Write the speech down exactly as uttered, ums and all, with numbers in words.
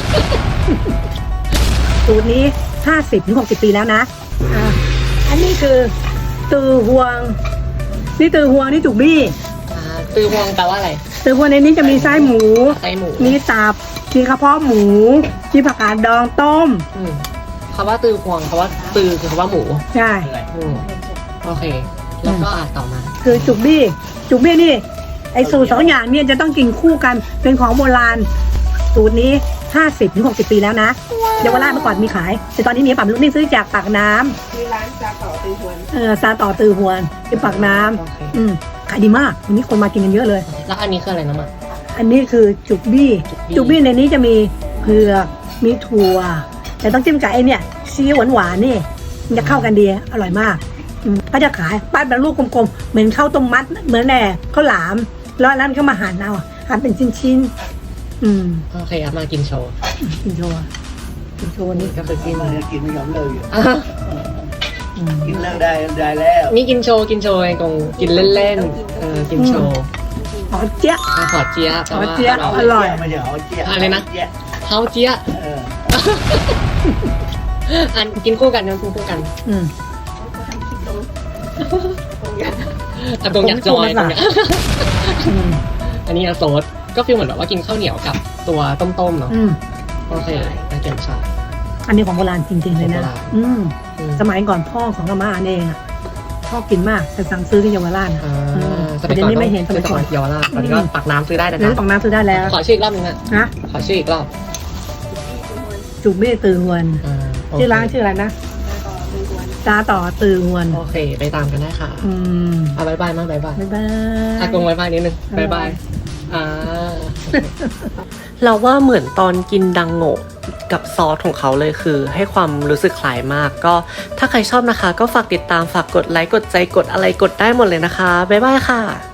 สูตรนี้ห้าสิบถึงหกสิบปีแล้วนะอ่าอันนี้คือตือหวงนี่ตือหวงนี่จุกบี้อ่าตือฮวงแปลว่าอะไรตือหวงในนี้จะมีไส้หมูไส้หมูมีตับมีกระเพาะหมูมีผักกาดดองต้มอืมคำว่าตือฮวงคำว่าตือคือคำว่าหมูใช่อืมโอเค แล้วก็อ่านต่อมาคือจุกบี้จุกบี้นี่ไอสูตรสองอย่างเนี่ยจะต้องกินคู่กันเป็นของโบราณสูตรนี้ห้าสิบถึงหกสิบปีแล้วนะเยาวราชเมื่อก่อนมีขายแต่ตอนนี้มีปั๊มลูกนี่ซื้อจากปากน้ำคือร้านซาต่อตือหวนเออซาต่อตือหวนที่ปากน้โอเคำอืมขายดีมากวันนี้คนมากินกันเยอะเลยแล้วอันนี้คืออะไรนะมาอันนี้คือจุกบี้จุกบี้จุกบี้ในนี้จะมีเผือกมีถั่วแต่ต้องจิ้มกับไอเนี่ยซีอิ๊วหวานๆนี่มันจะเข้ากันดีอร่อยมากอืมก็จะขายปั้นเป็นลูกกลมๆเหมือนข้าวต้มมัดเหมือนแหน่ข้าวหลามแล้วนั้นก็มาหั่นเอาหั่นเป็นชิ้นๆอืมโอเคเอามากินโชว์กินโชว์กินโชว์นี่ก็คือกินมันจะกินไม่ยอมเลิกอยู่อ่ะอืมกินเลิกได้ได้แล้วนี่กินโชว์กินโชว์ไอ้กงกินเล่นๆเออกินโชว์อ๋อเจ๊ยะอ่ะขอเจี๊ยบแปลว่าขอเจี๊ยบ อร่อยไม่ใช่หอเจี๊ยบอะไรนะเจี๊ยบเฮาเจี๊ยบเอออันกินคู่กันกินคู่กันอืมอ่ะตรงอยากจอยตรงอยากอืมอันนี้อะโซดก็ฟีลเหมือนแบบว่ากินข้าวเหนียวกับตัวต้มๆเนาะอืมโอเคน่าเก็บชอบอันนี้ของโบราณจริงๆเลยนะของโบราณอืมอืมสมัยก่อนพ่อของอาม่าเองอะชอบกินมากแต่สั่งซื้อที่เยาวราชอะอ่าอืมสแต่มัยเดี๋ยก่วอนนี้ไม่เห็นสสมัมัยยก่ก่ออน นเยาวราชตอนนี้ก็ตักน้ำซื้อได้นะเดี๋ยวนี้ของน้ำซื้อได้แล้วขอชื่ออีกรอบนึงนะนะขอชื่ออีกรอบจุกเบ้ตือหวนอ่าโเคชื่อร้านชื่ออะไรนะซาต่อตือหวนตาต่อตือหวนโอเคไปตามกันได้ค่ะอืมอ่ะบายบายมากบายบายบ๊ายบายอากงบายบายนิดนึงบายบาย อ่าเราว่าเหมือนตอนกินดังโง่กับซอสของเขาเลยคือ ให้ความรู้สึกคล้ายมาก ก็ถ้าใครชอบนะคะ ก็ฝากติดตามฝากกดไลค์กดใจกดอะไรกดได้หมดเลยนะคะ บ๊ายบายค่ะ